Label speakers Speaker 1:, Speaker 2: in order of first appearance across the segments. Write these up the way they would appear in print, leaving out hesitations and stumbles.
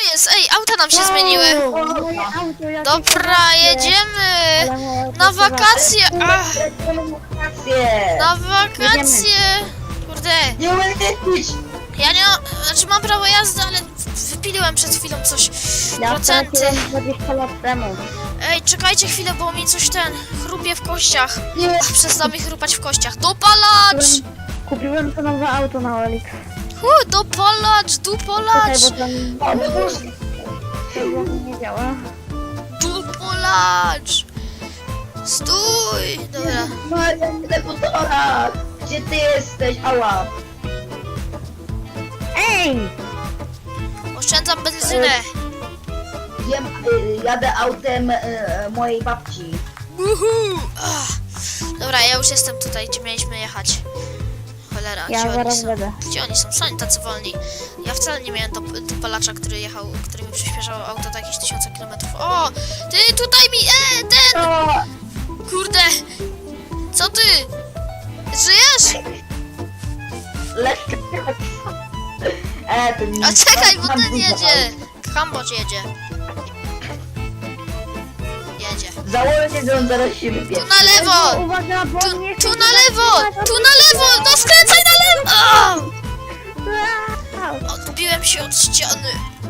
Speaker 1: jest? Ej, auta nam się zmieniły.
Speaker 2: Moje auto, jakie
Speaker 1: Dobra,
Speaker 2: krasne.
Speaker 1: jedziemy.
Speaker 2: Ale moje
Speaker 1: Na
Speaker 2: auto
Speaker 1: wakacje. Ach,
Speaker 3: Wakacje!
Speaker 1: na wakacje. Kurde,
Speaker 3: Nie umiem jeździć!
Speaker 1: ja nie mam, znaczy mam prawo jazdy, ale wypiliłem przed chwilą coś.
Speaker 2: Ja
Speaker 1: Procenty.
Speaker 2: straciłem 20 lat temu.
Speaker 1: Ej, czekajcie chwilę, bo mi coś chrupie w kościach.
Speaker 3: Nie!
Speaker 1: Przestał mi chrupać w kościach. Dopalacz!
Speaker 2: Kupiłem to nowe auto na OLX.
Speaker 1: Dopalacz,
Speaker 2: Czekaj,
Speaker 1: dupolacz,
Speaker 2: bo tam nie działa.
Speaker 1: dupolacz. Stój! Dobra.
Speaker 3: Maria, deputora! Gdzie ty jesteś? Ała!
Speaker 2: Ej!
Speaker 1: Oszczędzam benzynę.
Speaker 3: Jadę autem mojej babci.
Speaker 1: Uhu. Dobra, ja już jestem tutaj, gdzie mieliśmy jechać. Cholera,
Speaker 2: Ja
Speaker 1: gdzie oni
Speaker 2: zaraz
Speaker 1: są?
Speaker 2: będę.
Speaker 1: Gdzie oni są? Są oni tacy wolni. Ja wcale nie miałem dopalacza, który mi przyspieszał auto do jakichś 1000 kilometrów. O! Ty tutaj mi... ten!
Speaker 3: O!
Speaker 1: Kurde! Co ty? Żyjesz?
Speaker 3: Lekko! To nie
Speaker 1: A czekaj, bo
Speaker 3: tam
Speaker 1: ten
Speaker 3: dużo
Speaker 1: jedzie!
Speaker 3: aut.
Speaker 1: Kambodż jedzie. Jedzie.
Speaker 3: Założę, że on zaraz się
Speaker 1: Tu
Speaker 3: wypierdzi.
Speaker 1: na lewo!
Speaker 2: Uwaga, bo
Speaker 1: Tu,
Speaker 2: mnie
Speaker 1: tu na lewo! Tu na lewo! No skręcaj na lewo! Odbiłem się od ściany.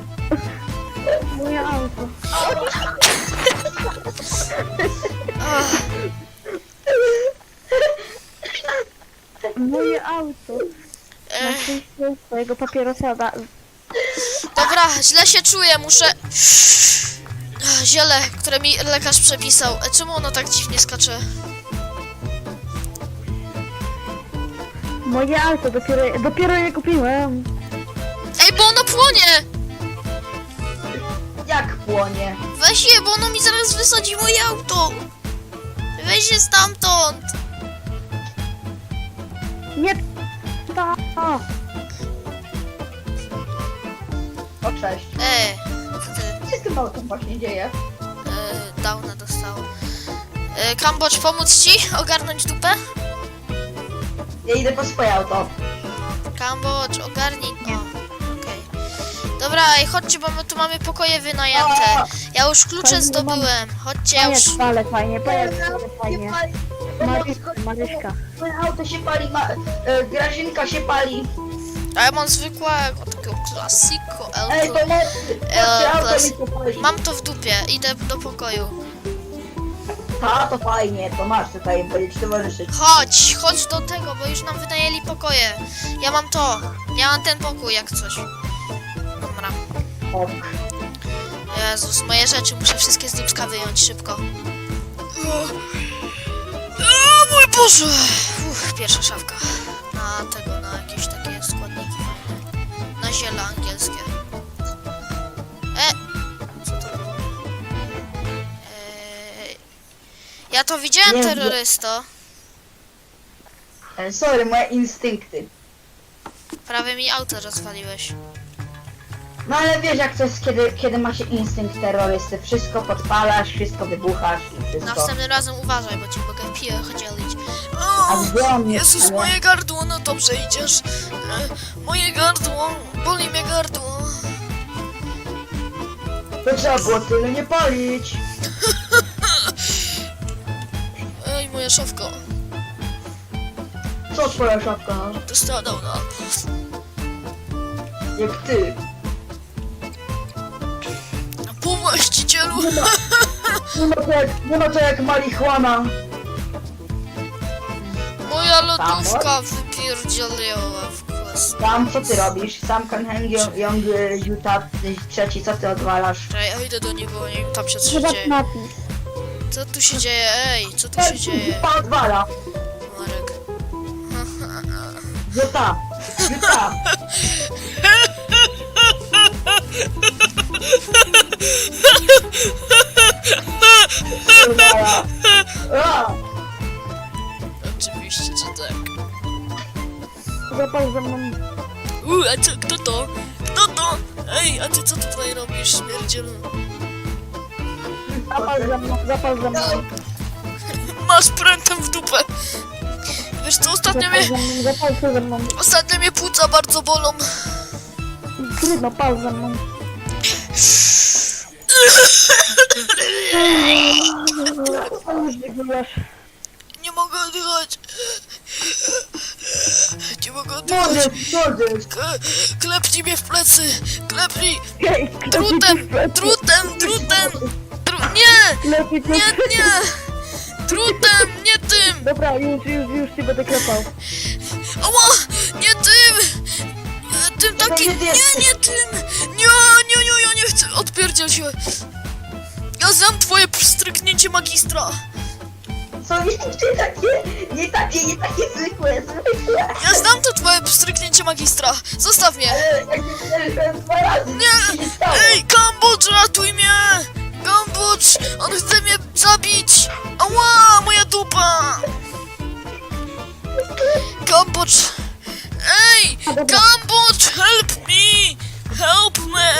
Speaker 2: Moje auto.
Speaker 1: Ach,
Speaker 2: Moje auto. Na szczęście swojego papierosa
Speaker 1: Dobra, źle się czuję, muszę... Ziele, które mi lekarz przepisał. Czemu ono tak dziwnie skacze?
Speaker 2: Moje auto, dopiero je kupiłem.
Speaker 1: Ej, bo ono płonie!
Speaker 3: Jak płonie?
Speaker 1: Weź je, bo ono mi zaraz wysadzi moje auto! Weź je stamtąd!
Speaker 2: Nie to.
Speaker 3: O, cześć.
Speaker 1: Co ty?
Speaker 3: Co się z tym autem właśnie dzieje?
Speaker 1: Downa dostało. Kambodż, pomóc ci ogarnąć dupę?
Speaker 3: Ja idę po swoje auto.
Speaker 1: Kambodż, ogarnij to. Okej. Dobra, ej, chodźcie, bo my tu mamy pokoje wynajęte. Ja już klucze zdobyłem. Chodźcie, ja już...
Speaker 2: Ale fajnie, fajnie. Maryśka.
Speaker 3: Moje auto się pali, Grażynka się pali.
Speaker 1: A ja mam zwykłego, takiego klasiko,
Speaker 3: Ej, to moje auto mi się pali.
Speaker 1: Mam to w dupie, idę do pokoju.
Speaker 3: A, to fajnie, to masz tutaj, będzie ci towarzyszyć.
Speaker 1: Chodź do tego, bo już nam wynajęli pokoje. Ja mam to, ja mam ten pokój jak coś. Dobra.
Speaker 3: Ok.
Speaker 1: Jezus, moje rzeczy muszę wszystkie z dupska wyjąć szybko. O mój Boże! Pierwsza szafka. Na jakieś takie składniki fajne. Na ziele angielskie. Co to było? Ja to widziałem,
Speaker 3: Nie,
Speaker 1: terrorysto.
Speaker 3: Sorry, moje instynkty.
Speaker 1: Prawie mi auto rozwaliłeś.
Speaker 3: No ale wiesz jak to jest, kiedy ma się instynkt terrorysty. Wszystko podpalasz, wszystko wybuchasz i wszystko.
Speaker 1: Następnym razem uważaj, bo ci mogę piję chodzielić.
Speaker 3: A gdzie on jest?
Speaker 1: Jezus,
Speaker 3: Ale-
Speaker 1: moje gardło, no dobrze idziesz. Moje gardło, boli mnie gardło.
Speaker 3: To trzeba było tyle nie palić.
Speaker 1: Ej, moja szafka.
Speaker 3: Co twoja szafka?
Speaker 1: Dostała downa.
Speaker 3: Jak ty.
Speaker 1: Po właścicielu.
Speaker 3: Nie ma to jak marihuana.
Speaker 1: Moja lodówka wypierdzieliła w kwas.
Speaker 3: Sam, co ty robisz? Sam Kanheng, Young, Utah, trzeci, co ty odwalasz?
Speaker 1: Czekaj, ja idę do niego, nie wiem tam się co się
Speaker 2: Chyba
Speaker 1: dzieje.
Speaker 2: napis.
Speaker 1: Co tu się dzieje? Ej, co tu się dzieje?
Speaker 3: Utah odwala.
Speaker 1: Marek.
Speaker 3: Utah. Utah. Odwala. A!
Speaker 1: Oczywiście, że tak.
Speaker 2: Zapal ze mną.
Speaker 1: A co, kto to? Kto to? Ej, a ty co tutaj robisz, śmierdzielu?
Speaker 2: Zapal ze mną.
Speaker 1: Masz prętem w dupę. Wiesz co,
Speaker 2: Zapal się ze mną.
Speaker 1: ostatnio mnie płuca bardzo bolą.
Speaker 2: Trudno, pal ze mną.
Speaker 1: Nie mogę oddychać. Nie mogę oddychać.
Speaker 3: Młody.
Speaker 1: Klepnij mnie w plecy. Klepnij. Drutem. Nie. Nie. Drutem, nie tym.
Speaker 2: Dobra, już ci będę klepał.
Speaker 1: Ała, nie tym. Tym takim. Nie tym. Nie, ja nie chcę. Odpierdziel się. Ja znam twoje pstryknięcie magistra.
Speaker 3: Są nie takie zwykłe.
Speaker 1: Ja znam to twoje pstryknięcie magistra. Zostaw mnie.
Speaker 3: Jak nie przeżyłem 2 razy,
Speaker 1: Nie!
Speaker 3: nic się nie stało.
Speaker 1: Ej, Kambodż, ratuj mnie! Kambodż, on chce mnie zabić! Ała, moja dupa! Kambodż! Ej, Kambodż, help me! Help me!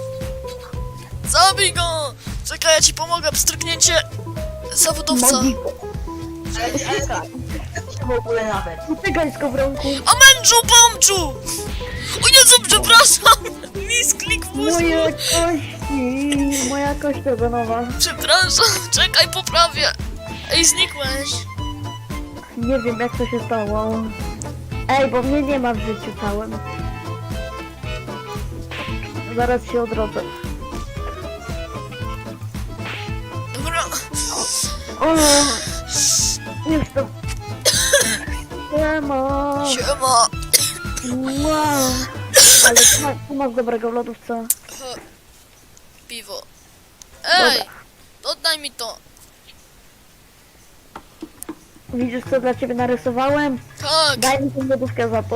Speaker 1: Zabij go! Czekaj, ja ci pomogę, pstryknięcie zawodowca.
Speaker 3: W ogóle nawet.
Speaker 2: Utykaj z kowronku.
Speaker 1: Amendżu, pomczu! O Jezu, przepraszam! Misklik w mózgu!
Speaker 2: Moja kość ogonowa.
Speaker 1: Przepraszam, czekaj, poprawię. Ej, znikłeś.
Speaker 2: Nie wiem jak to się stało. Ej, bo mnie nie ma w życiu całym. Zaraz się odrodzę.
Speaker 1: Dobra.
Speaker 2: O, jestem. Siema.
Speaker 1: Siema.
Speaker 2: Wow. Ale tu masz dobrego w lodówce.
Speaker 1: Piwo. Ej, oddaj mi to.
Speaker 2: Widzisz co dla ciebie narysowałem?
Speaker 1: Tak.
Speaker 2: Daj mi tę lodówkę za to.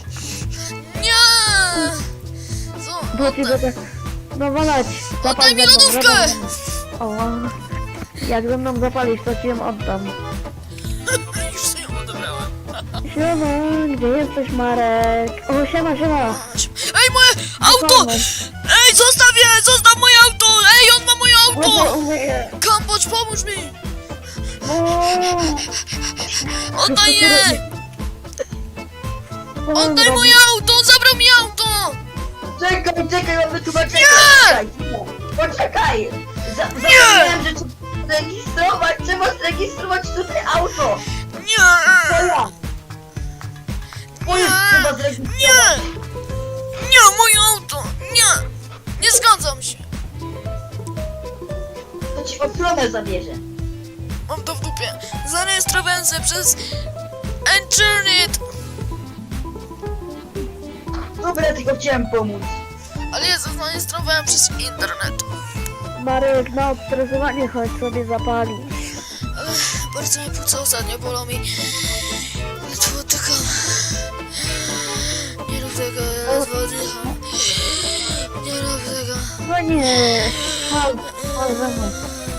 Speaker 1: Nie. Co?
Speaker 2: Bo ci będę... No walać.
Speaker 1: Oddaj mi
Speaker 2: ze mną,
Speaker 1: lodówkę.
Speaker 2: ze mną. O. Jak ze mną zapalisz, to ci ją oddam.
Speaker 1: Już sobie ją odebrałem.
Speaker 2: Siema, gdzie jesteś Marek? O, siema.
Speaker 1: Ej, moje auto! Ej, zostaw moje auto! Ej, on ma moje auto! Kambodż, pomóż mi! Oddaj je! Oddaj moje auto! On zabrał mi auto!
Speaker 3: Czekaj, ja wytłumaczę.
Speaker 1: Nie!
Speaker 3: Poczekaj! Zapomniałem, że trzeba zrejestrować tutaj auto!
Speaker 1: Nie!
Speaker 3: To ja! Trzeba zrejestrować.
Speaker 1: Nie, moje auto! Nie! Nie zgadzam się!
Speaker 3: To ci ochronę zabierze.
Speaker 1: Mam to w dupie. Zarejestrowałem się przez Internet!
Speaker 3: Dobra, tylko chciałem pomóc.
Speaker 1: Ale ja zarejestrowałem przez internet.
Speaker 2: Marek, na odstresowanie chodź sobie zapalić.
Speaker 1: Bardzo mnie płuca ostatnio bolą mi. Ledwo oddycham. Nie rób tego, ja ledwo oddycham. Nie rób tego.
Speaker 2: No nie, chodź ze mną.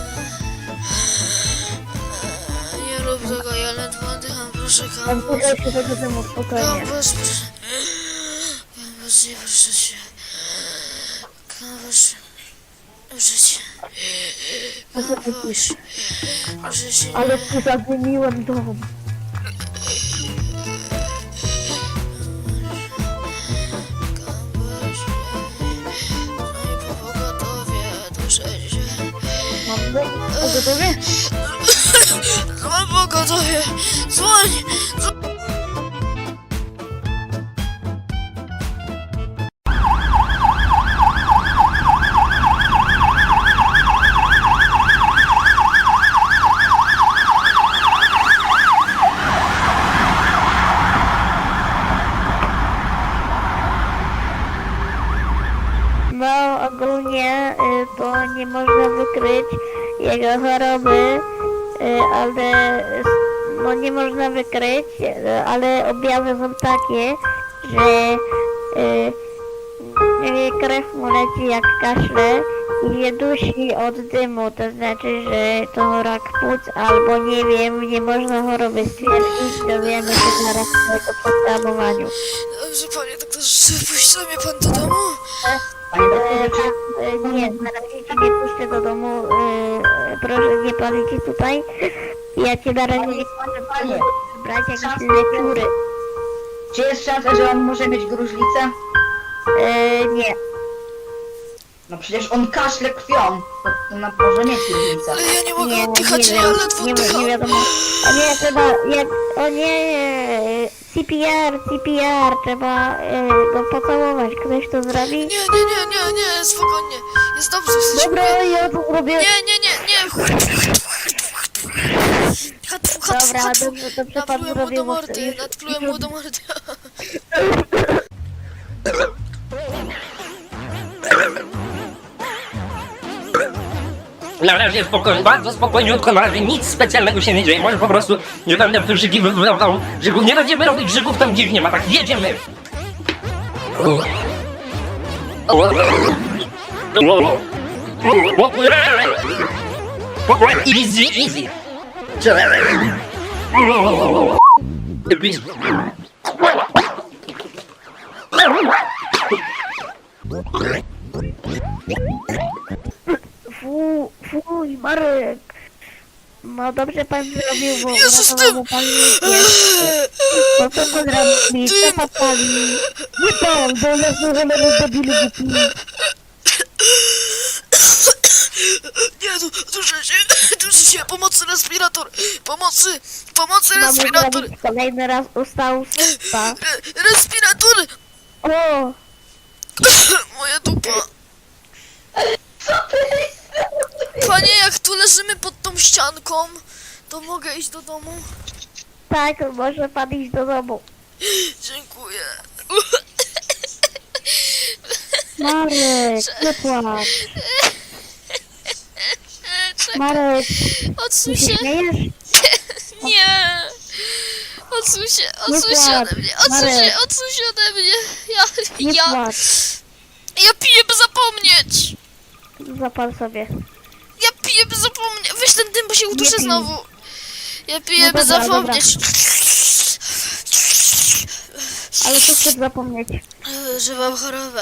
Speaker 1: Nie rób tego, ja ledwo oddycham, proszę
Speaker 2: Tam
Speaker 1: Kambodż.
Speaker 2: tutaj się tego temu spokojnie.
Speaker 1: Kambodż, proszę. Kambodż, nie proszę cię. Kambodż. Proszę cię. Kambodż. Proszę cię.
Speaker 2: Ale tu zamieniłem dom.
Speaker 1: Kambodż. No i po pogotowie, duszę się.
Speaker 2: Mam dom o gotowie?
Speaker 1: Mam pogotowie. Dzwoń.
Speaker 2: No ogólnie to nie można wykryć jego choroby, ale no nie można wykryć, ale objawy są takie, że krew mu leci jak kaszle i się dusi od dymu, to znaczy, że to rak płuc albo nie wiem, nie można choroby stwierdzić, dowiemy się zaraz po podstawowaniu.
Speaker 1: Dobrze, panie doktorze, puści mnie pan do domu?
Speaker 2: Nie, na razie cię nie puszczę do domu, proszę nie palić tutaj. Ja cię na razie nie puszczę brać jakieś leciury.
Speaker 3: Czy jest szansa, że on może mieć gruźlicę?
Speaker 2: Nie.
Speaker 3: No przecież on kaszle krwią. To na może mieć różnicę.
Speaker 1: Ale ja nie mogę
Speaker 2: Nie,
Speaker 1: oddychać,
Speaker 2: nie
Speaker 1: ja
Speaker 2: wiem,
Speaker 1: ledwo
Speaker 2: nie
Speaker 1: oddycham.
Speaker 2: wiadomo. O nie, trzeba, o nie, CPR, trzeba go pocałować. Ktoś to zrobi?
Speaker 1: Nie, spokojnie. Jest dobrze, jesteś
Speaker 2: Dobra, ja to zrobię.
Speaker 1: Nie.
Speaker 2: Dobra, dobrze pan
Speaker 1: Naplułem mu
Speaker 2: zrobił.
Speaker 1: do
Speaker 2: bo
Speaker 1: mordy,
Speaker 2: już-
Speaker 1: naplułem mu do mordy.
Speaker 4: Na razie spokojnie, bardzo spokojniutko, na razie nic specjalnego się nie dzieje. Może po prostu nie będę wyrzygiwał żygów. Nie będziemy robić żygów tam, gdzie ich nie ma, tak jedziemy. Easy.
Speaker 2: Fuj, Marek. No dobrze pan zrobił, bo
Speaker 1: Jezus,
Speaker 2: uratował pan jest. No co pan robi? Co pan pali? Nie pan, bo ja znowu debilu głupi.
Speaker 1: Nie, duszę się, pomocy respirator, pomocy
Speaker 2: Mamy
Speaker 1: respirator,
Speaker 2: zrobić kolejny raz ustał supa.
Speaker 1: respirator,
Speaker 2: O!
Speaker 1: moja dupa. Panie, jak tu leżymy pod tą ścianką, to mogę iść do domu?
Speaker 2: Tak, może pan iść do domu.
Speaker 1: Dziękuję.
Speaker 2: Marek, nie płacz.
Speaker 1: Czekaj,
Speaker 2: Marek,
Speaker 1: odsuń
Speaker 2: ty się
Speaker 1: się.
Speaker 2: śmiejesz?
Speaker 1: Nie! Odsuń się
Speaker 2: płacz,
Speaker 1: ode mnie,
Speaker 2: Marek.
Speaker 1: odsuń się ode mnie.
Speaker 2: Nie
Speaker 1: Ja
Speaker 2: płacz.
Speaker 1: piję, by zapomnieć.
Speaker 2: Zapal sobie.
Speaker 1: Ja piję, by zapomnieć. Weź ten dym, bo się uduszę
Speaker 2: pij.
Speaker 1: znowu. Ja piję,
Speaker 2: No
Speaker 1: by
Speaker 2: dobra,
Speaker 1: zapomnieć.
Speaker 2: Ale co chcesz zapomnieć?
Speaker 1: Że mam chorobę.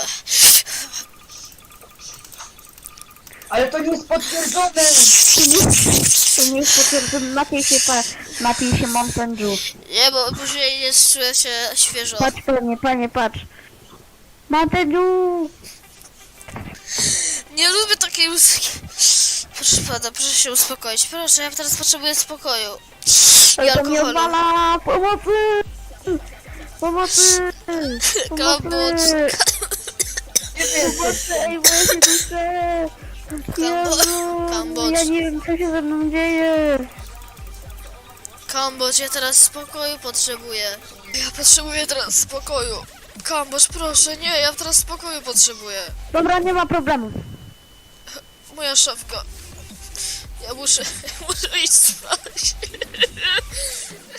Speaker 3: Ale to nie jest potwierdzone!
Speaker 2: To nie jest potwierdzone. Napij się Mountain Dew.
Speaker 1: Nie, bo później nie czuję się świeżo.
Speaker 2: Patrz panie, patrz. Mountain Dew!
Speaker 1: Nie lubię takiej muzyki. Proszę pana, proszę się uspokoić. Proszę, ja teraz potrzebuję spokoju. I
Speaker 2: Ale to mnie
Speaker 1: alkoholu.
Speaker 2: odwala! Pomocy! Pomocy!
Speaker 1: Kambodż.
Speaker 2: Pomocy! Ej, bo ja się duszę! Jezu!
Speaker 1: Kambodż.
Speaker 2: Ja nie wiem, co się ze mną dzieje!
Speaker 1: Kambodż, ja teraz spokoju potrzebuję. Ja potrzebuję teraz spokoju. Kambodż, proszę, nie, ja teraz spokoju potrzebuję.
Speaker 2: Dobra, nie ma problemu.
Speaker 1: Moja szafka. Ja muszę iść spać.